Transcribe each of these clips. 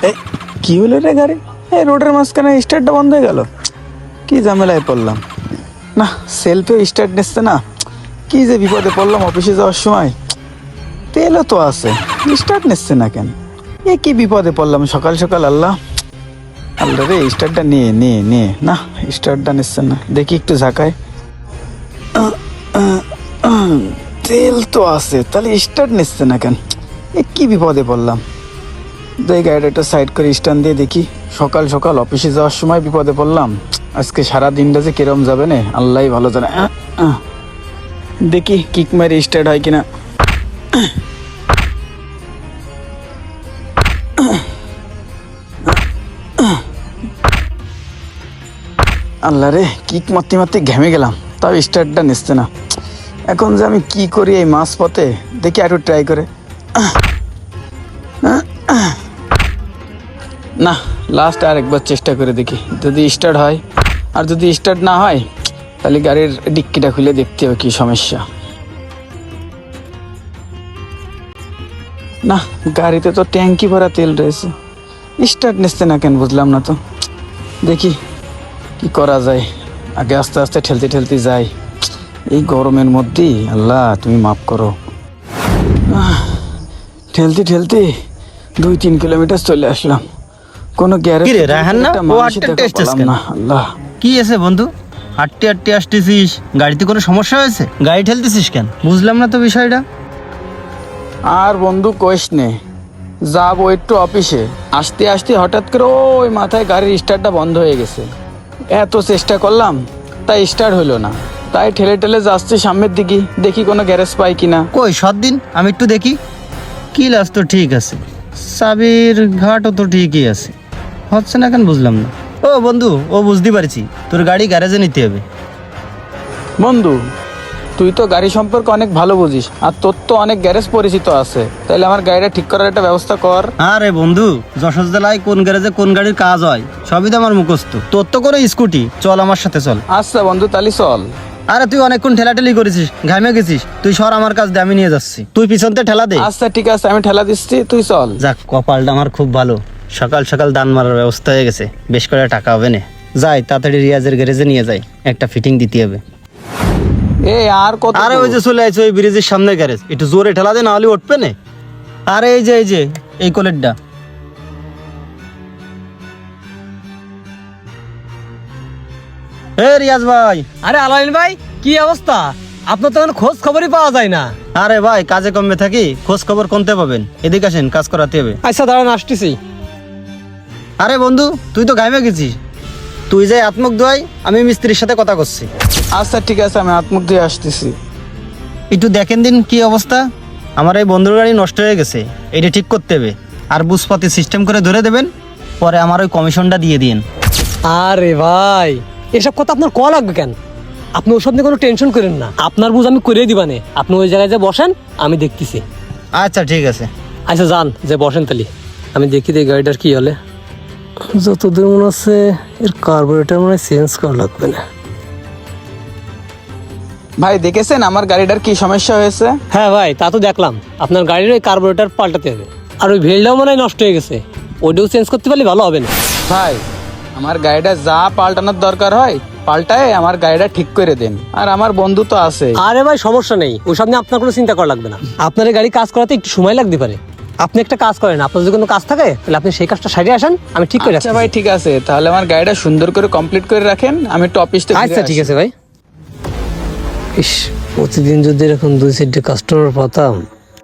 এই কি হলো রে গাড়ি? এই রোডের মাঝখানে স্টার্টটা বন্ধ হয়ে গেল। কি ঝামেলায় পড়লাম না, সেলফে স্টার্ট নিচ্ছে না। কি যে বিপদে পড়লাম অফিসে যাওয়ার সময়। তেলও তো আছে, স্টার্ট নিচ্ছে না কেন? এ কি বিপদে পড়লাম সকাল সকাল। আল্লাহ আল্লাহ রে, স্টার্টটা নিয়ে নিয়ে নিয়ে না, স্টার্টটা নিচ্ছে না। দেখি একটু ঝাঁকায়, তেল তো আছে, তাহলে স্টার্ট নিচ্ছে না কেন? এ কি বিপদে পড়লাম। এই গাড়িটা একটু সাইড করে স্ট্যান্ড দিয়ে দেখি। সকাল সকাল অফিসে যাওয়ার সময় বিপদে পড়লাম। আজকে সারা দিনটা যে কিরম যাবে না আল্লাহ ভালো জানে। দেখি কিক মারি স্টার্ট হয় কিনা। আল্লাহ রে, কিক মারতে মারতে ঘেমে গেলাম, তাও স্টার্টটা নিচ্ছে না। এখন যে আমি কি করি এই মাঝ পথে? দেখি একটু ট্রাই করে। না, লাস্ট আর একবার চেষ্টা করে দেখি, যদি স্টার্ট হয়। আর যদি স্টার্ট না হয় তাহলে গাড়ির ডিক্কিটা খুলে দেখতে হবে কি সমস্যা। না, গাড়িতে তো ট্যাঙ্কি ভরা তেল রয়েছে, স্টার্ট নিচ্ছে না কেন বুঝলাম না তো। দেখি কি করা যায়। আগে আস্তে আস্তে ঠেলতে ঠেলতে যাই এই গরমের মধ্যেই। আল্লাহ তুমি মাফ করো। ঠেলতে ঠেলতে 2-3 কিলোমিটার চলে আসলাম। কোনো গ্যারেজ কিরে রায়হান না, ও হাঁটতে টেস্টেস কেন? না। আল্লাহ, কি আছে বন্ধু, হাঁটতে হাঁটতে আসতেছিস, গাড়িতে কোনো সমস্যা হয়েছে? গাড়ি ঠেলতেছিস কেন বুঝলাম না তো বিষয়টা। আর বন্ধু কইস নে, যাবো একটু অফিসে, আসতে আসতে হঠাৎ করে ওই মাথায় গাড়ির স্টার্টটা বন্ধ হয়ে গেছে। এত চেষ্টা করলাম তাই স্টার্ট হলো না। তাই ঠেলে ঠেলে যাচ্ছি সামনের দিকে, দেখি কোনো গ্যারেজ পাই কিনা। কই সৎ দিন আমি একটু দেখি। কি লাস তো ঠিক আছে, চাবির ঘাটও তো ঠিকই আছে, হচ্ছে না কেন বুঝলাম না। ও বন্ধু, ও বুঝতে পারছি, তোর গাড়ি গ্যারেজে নিতে হবে। বন্ধু, তুই তো গাড়ি সম্পর্কে অনেক ভালো বুঝিস, আর তোর তো অনেক গ্যারেজ পরিচিত আছে, তাহলে আমার গাড়িটা ঠিক করার একটা ব্যবস্থা কর। আরে বন্ধু, যশোর জেলায় কোন গ্যারেজে কোন গাড়ির কাজ হয় সবই তো আমার মুখস্থ। তোর তো করে স্কুটি, চল আমার সাথে চল। আচ্ছা বন্ধু, তাহলে চল। আরে তুই অনেকক্ষণ ঠেলাঠেলি করেছিস, ঘামে গেছিস, তুই সর আমার কাজ দে, আমি নিয়ে যাচ্ছি। তুই পিছনতে ঠেলা দে। আচ্ছা ঠিক আছে, আমি ঠেলা দিচ্ছি, তুই চল। যাক, কপালটা আমার খুব ভালো, সকাল সকাল দান মারার ব্যবস্থা হয়ে গেছে, বেশ করে টাকা হবে না। যাই তাড়াতাড়ি রিয়াজের গ্যারেজে নিয়ে যাই, একটা ফিটিং দিতে হবে। এ আর কত? আরে ওই যে চলে আইছে ওই ব্রিজের সামনে গ্যারেজ, একটু জোরে ঠেলা দে, না হলে উঠবে না। আরে এই যে এই কোলেরটা। এ রিয়াজ ভাই। আরে আলাইন ভাই, কি অবস্থা? আপনার তো কোনো খোঁজ খবরই পাওয়া যায় না। আরে ভাই, কাজে কমে থাকি, খোঁজ খবর কোনতে পাবেন? এদিকে আসেন, কাজ করাতে হবে। আচ্ছা দাঁড়ান, আসতেছি। আরে বন্ধু, তুই তো ঘামে গেছিস, তুই যাই আত্মক দোয়াই, আমি মিস্ত্রির সাথে কথা করছি। আচ্ছা ঠিক আছে, আমি হাত মুখ দিয়ে আসতেছি। একটু দেখেন দিন কি অবস্থা। আমার এই বন্ধুর গাড়ি নষ্ট হয়ে গেছে, এটা ঠিক করতে হবে। আর বুঝপাতি সিস্টেম করে ধরে দেবেন, পরে আমার ওই কমিশনটা দিয়ে দিন। আরে ভাই, এসব কথা আপনার কল লাগবে কেন? আপনি ওসব নিয়ে কোনো টেনশন করেন না, আপনার বুঝ আমি করে দিবানে। আপনি ওই জায়গায় যে বসেন, আমি দেখতেছি। আচ্ছা ঠিক আছে। আচ্ছা যান, যে বসেন তালি, আমি দেখি এই গাড়িটার কি হলে। যতদূর মনে হচ্ছে এর কার্বোরেটর মনে হয় চেঞ্জ করা লাগবে না। ভাই দেখেছেন আমার গাড়িটার কি সমস্যা হয়েছে? হ্যাঁ ভাই, তা তো দেখলাম। আপনার গাড়ির ওই কার্বোরেটর পাল্টাতে হবে, আর ওই ভেলটাও মনে হয় নষ্ট হয়ে গেছে, ওইটাও চেঞ্জ করতে পারলে ভালো হবে না। ভাই, আমার গাড়িটা যা পাল্টানোর দরকার হয় পাল্টায় আমার গাড়িটা ঠিক করে দেন। আর আমার বন্ধু তো আছে। আরে ভাই সমস্যা নেই, ওইসব নিয়ে আপনার কোনো চিন্তা করা লাগবে না। আপনার এই গাড়ি কাজ করাতে একটু সময় লাগতে পারে। আপনি একটা কাজ করেন, আপনার যদি কোনো কাজ থাকে তাহলে আপনি সেই কাজটা সারিয়ে আসেন, আমি ঠিক করে আচ্ছা রাখছি। ভাই ঠিক আছে, তাহলে আমার গাড়িটা সুন্দর করে কমপ্লিট করে রাখেন, আমি একটু অফিস থেকে আচ্ছা ঠিক আছে ভাই। ইস, প্রতিদিন যদি এরকম 2-4টে কাস্টমার পাতাম।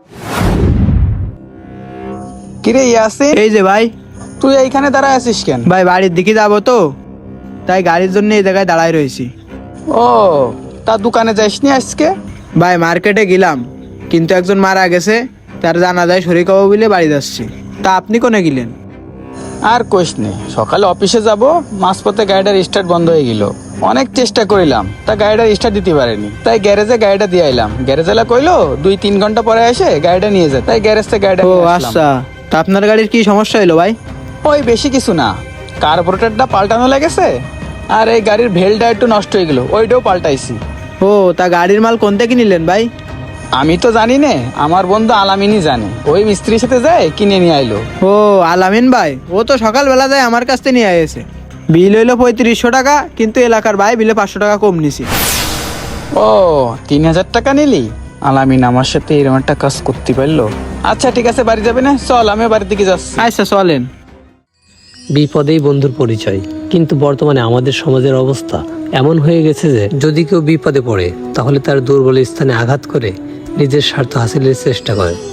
কিরে ইয়াসিন, এই যে ভাই, তুই এইখানে দাঁড়ায় আছিস কেন? ভাই বাড়ির দিকে যাবো তো, তাই গাড়ির জন্য এই জায়গায় দাঁড়ায় রয়েছি। ও, তা দোকানে যাসনি আজকে? ভাই মার্কেটে গেলাম, কিন্তু একজন মারা গেছে, তার জানাজায় শরীর হবো বলে বাড়ি যাচ্ছি। তা আপনি কোনে গেলেন? আর কোশ নেই, সকালে অফিসে যাব, মাঝপথে গাড়িটার স্টার্ট বন্ধ হয়ে গেল। অনেক চেষ্টা করিলাম, তা গাড়িটার স্টার্ট দিতে পারেনি, তাই গ্যারেজে গাড়িটা দিয়ে আইলাম। গ্যারেজেলা কইলো 2-3 ঘন্টা পরে এসে গাড়িটা নিয়ে যায়, তাই গ্যারেজ থেকে গাড়িটা ও নিয়ে আসলাম। আচ্ছা, তা আপনার গাড়ির কি সমস্যা হলো ভাই? ওই বেশি কিছু না, কার্বোরেটরটা পাল্টানো লেগেছে, আর এই গাড়ির ভেলটা একটু নষ্ট হয়ে গেল, ওইটাও পাল্টাইছি। ও, তা গাড়ির মাল কোন থেকে নিলেন ভাই? আমি তো জানি না, আমার বন্ধু আলামিনই জানে। ওই মিস্ত্রির সাথে যায় কিনে নিয়ে আইলো। ও আলামিন ভাই, ও তো সকালবেলা যায় আমার কাছ থেকে নিয়ে এসে। বিল হইলো 3500 টাকা, কিন্তু এলাকার ভাই বিলে 500 টাকা কম নিছি। ও 3000 টাকা নিলি? আলামিন আমার সাথে এরকম একটা কাজ করতে পারলো। আচ্ছা ঠিক আছে, বাড়ি যাবে না? চল, আমি বাড়ির দিকে যাচ্ছি। আচ্ছা চলেন। বিপদেই বন্ধুর পরিচয়। কিন্তু বর্তমানে আমাদের সমাজের অবস্থা এমন হয়ে গেছে যে যদি কেউ বিপদে পড়ে তাহলে তার দুর্বল স্থানে আঘাত করে নিজের স্বার্থ হাসিলের চেষ্টা করে।